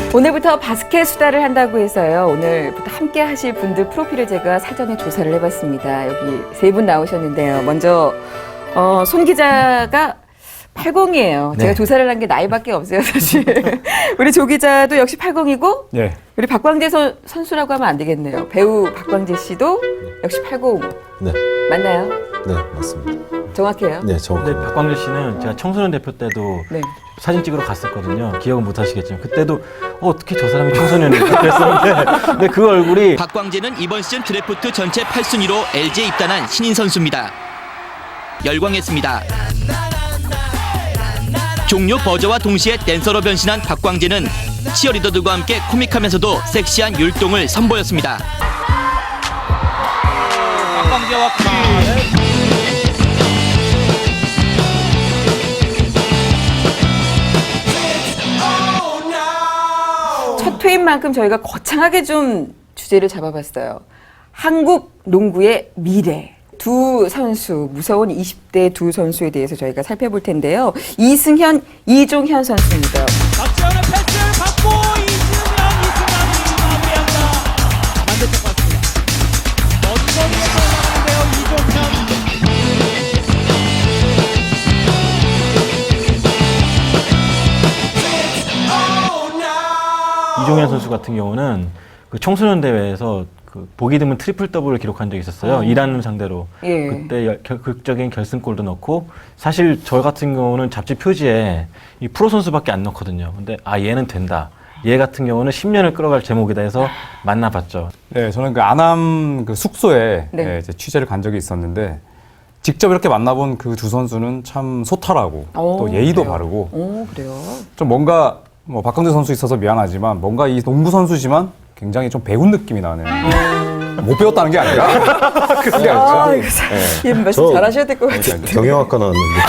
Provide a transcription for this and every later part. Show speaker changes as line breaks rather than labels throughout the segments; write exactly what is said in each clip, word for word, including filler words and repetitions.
오늘부터 바스켓 수다를 한다고 해서요. 오늘부터 함께 하실 분들 프로필을 제가 사전에 조사를 해봤습니다. 여기 세 분 나오셨는데요. 먼저 어, 손 기자가 팔십이에요.
네.
제가 조사를 한 게 나이밖에 없어요, 사실. 우리 조 기자도 역시 팔십이고
네.
우리 박광재 선, 선수라고 하면 안 되겠네요. 배우 박광재 씨도 역시 팔십.
네,
맞나요?
네 맞습니다.
정확해요?
네,
근데
정확합니다.
박광재 씨는 제가 청소년 대표 때도
네.
사진 찍으러 갔었거든요. 기억은 못 하시겠지만 그때도 어, 어떻게 저 사람이 청소년이지 그랬었는데 근데 그 얼굴이
박광재는 이번 시즌 드래프트 전체 팔 순위로 엘지에 입단한 신인 선수입니다. 열광했습니다. 종료 버저와 동시에 댄서로 변신한 박광재는 치어리더들과 함께 코믹하면서도 섹시한 율동을 선보였습니다.
박광재와 퀴.
첫 회인 만큼 저희가 거창하게 좀 주제를 잡아봤어요. 한국 농구의 미래. 두 선수, 무서운 이십 대 두 선수에 대해서 저희가 살펴볼 텐데요. 이승현, 이종현 선수입니다.
박지현의 패스를 받고 이승현, 이승현이 마무리합니다. 반대쪽 봤습니다. 먼저 위에서 올라가는데요, 이종현.
이종현 선수 같은 경우는 그 청소년 대회에서 그 보기 드문 트리플 더블을 기록한 적이 있었어요.
어.
이라는 상대로.
예.
그때 열- 결- 극적인 결승골도 넣고 사실 저 같은 경우는 잡지 표지에 이 프로 선수밖에 안 넣거든요. 근데 아 얘는 된다. 얘 같은 경우는 십 년을 끌어갈 제목이다 해서 만나봤죠.
네, 저는 그 안암 그 숙소에
네.
예, 이제 취재를 간 적이 있었는데 직접 이렇게 만나본 그 두 선수는 참 소탈하고
오,
또 예의도
그래요?
바르고
오, 그래요?
좀 뭔가 뭐 박광재 선수 있어서 미안하지만 뭔가 이 농구 선수지만 굉장히 좀 배운 느낌이 나는. 못 배웠다는 게 아니라 그런 게
아,
아니죠.
이거 사-
예.
예, 말씀
저-
잘하셔야 될 것 같은데.
경영학과 나왔는데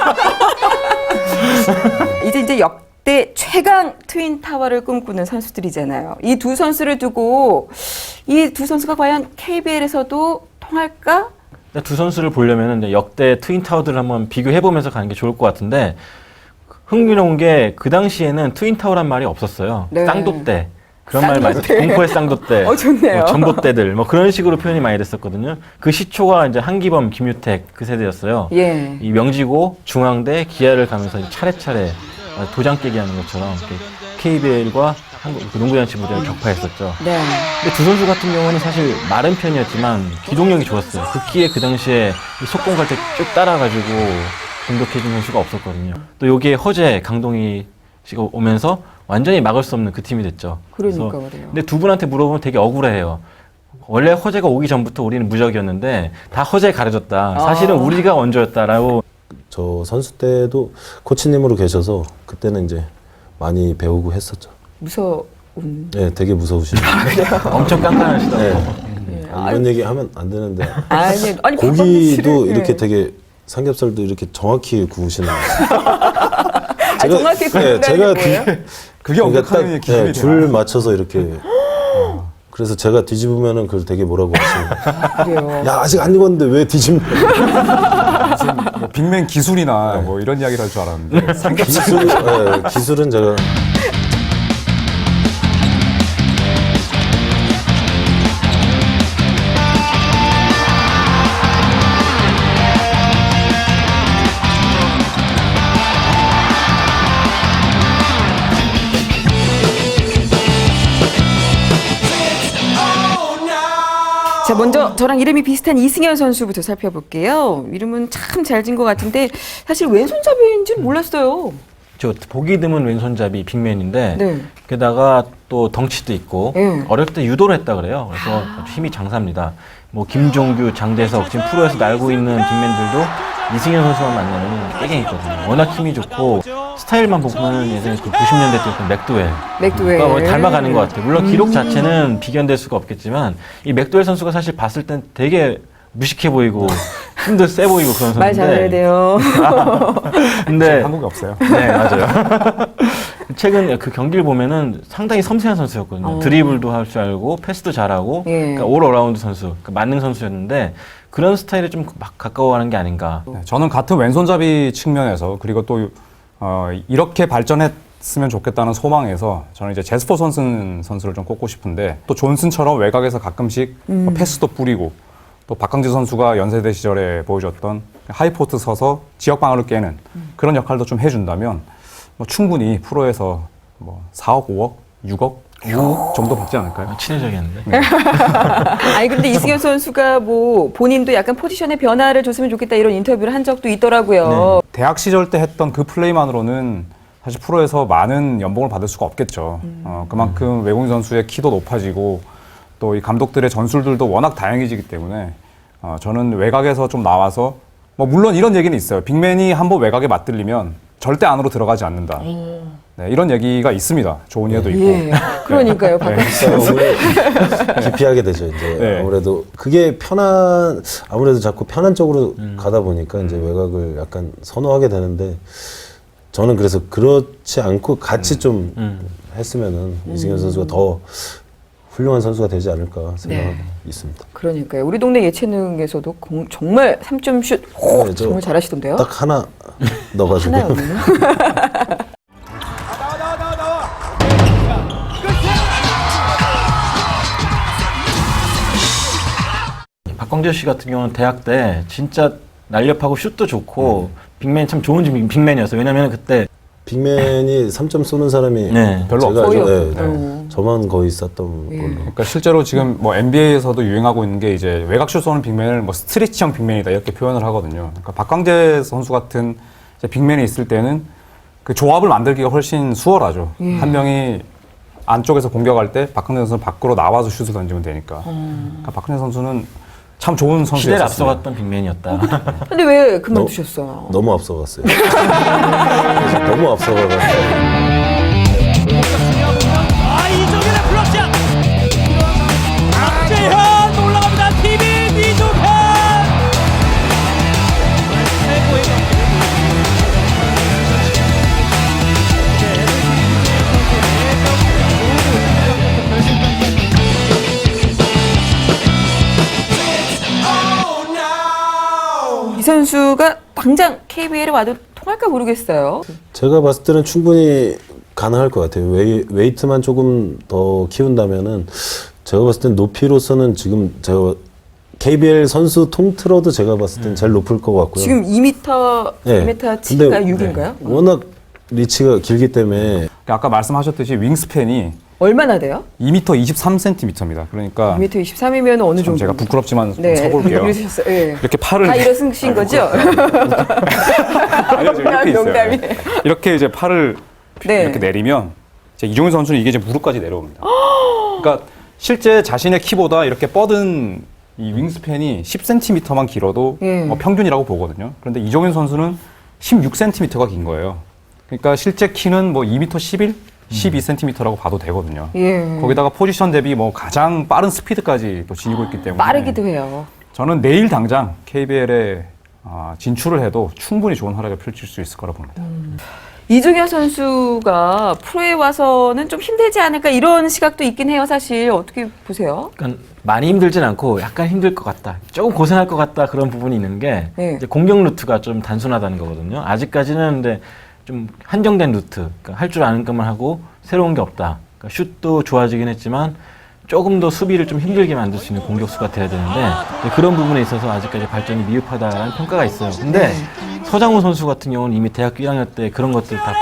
이제 이제 역대 최강 트윈 타워를 꿈꾸는 선수들이잖아요. 이 두 선수를 두고 이 두 선수가 과연 케이비엘에서도 통할까?
두 선수를 보려면 역대 트윈 타워들을 한번 비교해보면서 가는 게 좋을 것 같은데 흥미로운 게 그 당시에는 트윈 타워란 말이 없었어요.
네.
쌍도대. 그런 말 많이
쌍도대.
공포의 쌍도대,
어, 좋네요.
뭐 전봇대들, 뭐 그런 식으로 표현이 많이 됐었거든요. 그 시초가 이제 한기범, 김유택 그 세대였어요.
예.
이 명지고, 중앙대, 기아를 가면서 이제 차례차례 도장 깨기 하는 것처럼 케이비엘과 한국 그 농구잔치 무대를 격파했었죠.
네.
근데 두 선수 같은 경우는 사실 마른 편이었지만 기동력이 좋았어요. 그 기에 그 당시에 이 속공 갈 때 쭉 따라가지고 공격해준 선수가 없었거든요. 또 여기에 허재, 강동희 씨가 오면서 완전히 막을 수 없는 그 팀이 됐죠.
그러니까
그래서
그래요.
근데 두 분한테 물어보면 되게 억울해해요. 원래 허재가 오기 전부터 우리는 무적이었는데 다 허재에 가려졌다. 사실은
아.
우리가 원조였다라고.
저 선수 때도 코치님으로 계셔서 그때는 이제 많이 배우고 했었죠.
무서운.
네, 되게 무서우시네요.
엄청 깐깐하시다고.
네.
예.
아, 이런 얘기 하면 안 되는데
아니, 아니
고기도
박광재 씨를-
이렇게
예.
되게 삼겹살도 이렇게 정확히 구우시는.
아, 정확히 구운다는
제가
게 뭐예요?
그게
그러니까
언급하는
딱,
기준이
네, 줄 맞춰서 이렇게. 어, 그래서 제가 뒤집으면은 그걸 되게 뭐라고 하시는.
그래요.
야 아직 안 익었는데 왜 뒤집냐.
무슨 뭐 빅맨 기술이나 뭐 이런 이야기를 할 줄 알았는데 삼겹살
기술, 네, 기술은 제가.
자, 먼저 저랑 이름이 비슷한 이승현 선수부터 살펴볼게요. 이름은 참 잘 진 것 같은데 사실 왼손잡이인지는 몰랐어요.
저 보기 드문 왼손잡이 빅맨인데
네.
게다가 또 덩치도 있고
네.
어릴 때 유도를 했다 그래요. 그래서 아주 힘이 장사입니다. 뭐 김종규, 장대석 지금 프로에서 날고 있는 빅맨들도 이승현 선수만 만나면 깨갱했거든요. 워낙 힘이 좋고 스타일만 보면 예전에 그 구십 년대 때 그 맥도웰
맥도웰.
그러니까 뭐 닮아가는 것 같아요. 물론 기록 자체는 비견될 수가 없겠지만 이 맥도웰 선수가 사실 봤을 땐 되게 무식해 보이고 힘도 세 보이고 그런
말 잘해야
선수인데
돼요.
근데
한국에 없어요.
네, 맞아요. 최근 그 경기를 보면은 상당히 섬세한 선수였거든요.
어.
드리블도 할 줄 알고 패스도 잘하고
예.
그러니까 올 어라운드 선수, 그러니까 만능 선수였는데 그런 스타일에 좀 막 가까워하는 게 아닌가.
네, 저는 같은 왼손잡이 측면에서 그리고 또 어, 이렇게 발전했 갔으면 좋겠다는 소망에서 저는 이제 제스퍼 선슨 선수를 좀 꼽고 싶은데 또 존슨처럼 외곽에서 가끔씩 뭐 패스도 뿌리고 또 박광재 선수가 연세대 시절에 보여줬던 하이포트 서서 지역 방어를 깨는 그런 역할도 좀 해준다면 뭐 충분히 프로에서 뭐 사억, 오억, 육억, 구억 정도 받지 않을까요?
친해져야겠는데.
아니 근데 이승현 선수가 뭐 본인도 약간 포지션의 변화를 줬으면 좋겠다 이런 인터뷰를 한 적도 있더라고요.
대학 시절 때 했던 그 플레이만으로는 사실 프로에서 많은 연봉을 받을 수가 없겠죠. 어, 그만큼 외국인 선수의 키도 높아지고 또 이 감독들의 전술들도 워낙 다양해지기 때문에 어, 저는 외곽에서 좀 나와서 뭐 물론 이런 얘기는 있어요. 빅맨이 한번 외곽에 맞들리면 절대 안으로 들어가지 않는다. 네, 이런 얘기가 있습니다. 좋은 예도 있고.
예. 그러니까요. 박광재 선수.
기피하게 되죠. 이제
네.
아무래도 그게 편한 아무래도 자꾸 편한 쪽으로 가다 보니까 이제 외곽을 약간 선호하게 되는데 저는 그래서 그렇지 않고 같이 좀 했으면은 이승현 선수가 더 훌륭한 선수가 되지 않을까 생각하고
네.
있습니다.
그러니까요. 우리 동네 예체능에서도 공- 정말 삼 점 슛 오,
네, 저
정말 잘하시던데요.
딱 하나 넣어가지고
하나였네요.
나와 나와 나와 나와.
박광재 씨 같은 경우는 대학 때 진짜 날렵하고 슛도 좋고 빅맨 참 좋은 빅- 빅맨이었어요. 왜냐면 그때
빅맨이 삼 점 쏘는 사람이
네.
별로
제가
거의
알죠.
없-
네,
어.
저만 거의 쐈던
예.
걸로.
그러니까 실제로 지금 뭐 엔비에이에서도 유행하고 있는 게 이제 외곽슛 쏘는 빅맨을 뭐 스트레치형 빅맨이다 이렇게 표현을 하거든요. 그러니까 박광재 선수 같은 이제 빅맨이 있을 때는 그 조합을 만들기가 훨씬 수월하죠.
예.
한 명이 안쪽에서 공격할 때 박광재 선수는 밖으로 나와서 슛을 던지면 되니까. 그러니까 박광재 선수는 참 좋은
시대를
선수였어요.
앞서갔던 빅맨이었다.
근데 왜 그만두셨어요?
너무 앞서갔어요. 너무 앞서가가지고.
아 이종현의 블락샷. 박재현 올라갑니다. 티비 이종현. 최고의 경기를
이 선수가 당장 케이비엘에 와도 통할까 모르겠어요.
제가 봤을 때는 충분히 가능할 것 같아요. 웨이, 웨이트만 조금 더 키운다면은 제가 봤을 땐 높이로서는 지금 제가 케이비엘 선수 통틀어도 제가 봤을 땐 제일 높을 것 같고요.
지금 이 미터,
네.
이 미터 칠인가요?
근데
육인가요?
워낙 리치가 길기 때문에
그러니까 아까 말씀하셨듯이 윙스팬이
얼마나 돼요?
이 미터 이십삼 센티미터입니다. 그러니까
이 미터 이십삼이면 어느
참
정도?
제가 부끄럽지만 좀
네.
서볼게요.
그러셨어요. 네.
이렇게 팔을
다 일어서신 거죠?
아니요, 지금 이렇게 있어요.
농담이에요.
이렇게 이제 팔을
네.
이렇게 내리면 이제 이종현 선수는 이게 이제 무릎까지 내려옵니다. 그러니까 실제 자신의 키보다 이렇게 뻗은 이 윙스팬이 십 센티미터만 길어도
예.
어, 평균이라고 보거든요. 그런데 이종현 선수는 십육 센티미터가 긴 거예요. 그러니까 실제 키는 뭐 이 미터 십일, 십이 센티미터라고 봐도 되거든요.
예.
거기다가 포지션 대비 뭐 가장 빠른 스피드까지 또 지니고 있기 때문에
빠르기도 해요.
저는 내일 당장 케이비엘에 아, 진출을 해도 충분히 좋은 활약을 펼칠 수 있을 거라 봅니다.
이종현 선수가 프로에 와서는 좀 힘들지 않을까 이런 시각도 있긴 해요. 사실 어떻게 보세요?
그러니까 많이 힘들진 않고 약간 힘들 것 같다. 조금 고생할 것 같다 그런 부분이 있는 게
네.
이제 공격 루트가 좀 단순하다는 거거든요. 아직까지는 근데 좀 한정된 루트, 그러니까 할 줄 아는 것만 하고 새로운 게 없다. 그러니까 슛도 좋아지긴 했지만 조금 더 수비를 좀 힘들게 만들 수 있는 공격수가 돼야 되는데 이제 그런 부분에 있어서 아직까지 발전이 미흡하다는 평가가 있어요. 근데 서장훈 선수 같은 경우는 이미 대학교 일 학년 때 그런 것들 다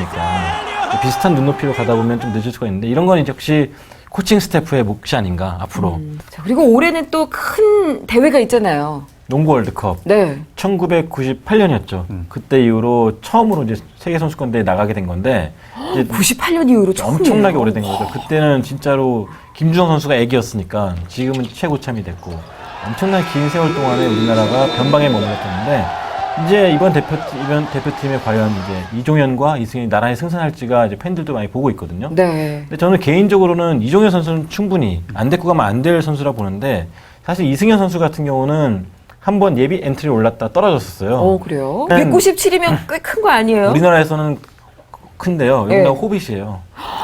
보여줬으니까 비슷한 눈높이로 가다 보면 좀 늦을 수가 있는데 이런 건 이제 역시 코칭 스태프의 몫이 아닌가 앞으로.
자, 그리고 올해는 또 큰 대회가 있잖아요.
농구 월드컵
네.
천구백구십팔 년이었죠. 그때 이후로 처음으로 이제 세계 선수권대회에 나가게 된 건데 이제
구십팔 년 이후로 처음이에요.
엄청나게 오래된 거죠. 그때는 진짜로 김주성 선수가 애기였으니까 지금은 최고참이 됐고 엄청난 긴 세월 동안에 우리나라가 변방에 머물렀었는데 이제 이번 대표 이번 대표팀에 과연 이제 이종현과 이승현이 나란히 승선할지가 이제 팬들도 많이 보고 있거든요.
네.
근데 저는 개인적으로는 이종현 선수는 충분히 안 데리고 가면 안 될 선수라 보는데 사실 이승현 선수 같은 경우는 한번 예비 엔트리 올랐다 떨어졌었어요.
어, 그래요?
음.
백구십칠이면 꽤 큰 거 아니에요?
우리나라에서는 큰데요.
네.
여기가 호빗이에요.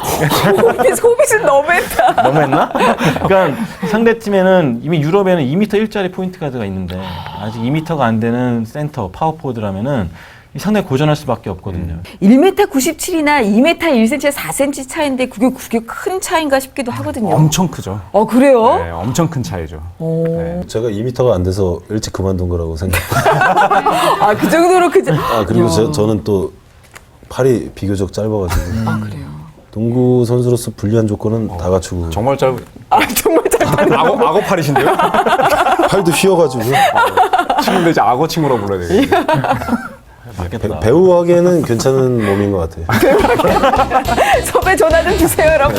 호빗, 호빗은 너무했다.
너무했나? 그러니까 상대 팀에는 이미 유럽에는 이 미터 일짜리 포인트 가드가 있는데 아직 이 미터가 안 되는 센터 파워포워드라면은 상당히 고전할 수밖에 없거든요.
일 미터 구십칠이나 이 미터 일 센티미터 사 센티미터 차이인데 그게 그게 큰 차이인가 싶기도 하거든요.
엄청 크죠.
어 그래요?
네, 엄청 큰 차이죠. 네.
제가 이 미터가 안 돼서 일찍 그만둔 거라고 생각해요.
아 그 정도로 그.
아 그리고 저, 저는 또 팔이 비교적 짧아가지고
아 그래요.
농구 선수로서 불리한 조건은 다 갖추고
정말 짧.
아 정말 잘.
악어 악어팔이신데요?
팔도 휘어가지고
친구인데 이제 악어 친구라고 불러야 되겠네요.
맞겠다.
배, 배우 하기에는 괜찮은 몸인 것 같아요.
섭외 전화 좀 주세요, 여러분.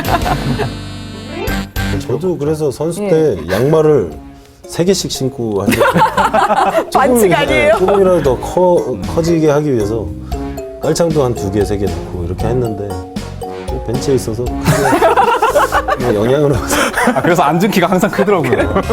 저도 그래서 선수 때 양말을 세 개씩 신고 한 적.
반칙 아니에요?
조금이라도 더 커, 커지게 하기 위해서 깔창도 한 두 개, 세 개 넣고 이렇게 했는데 벤치에 있어서 크게 뭐 영향으로
아, 그래서 앉은 키가 항상 크더라고요.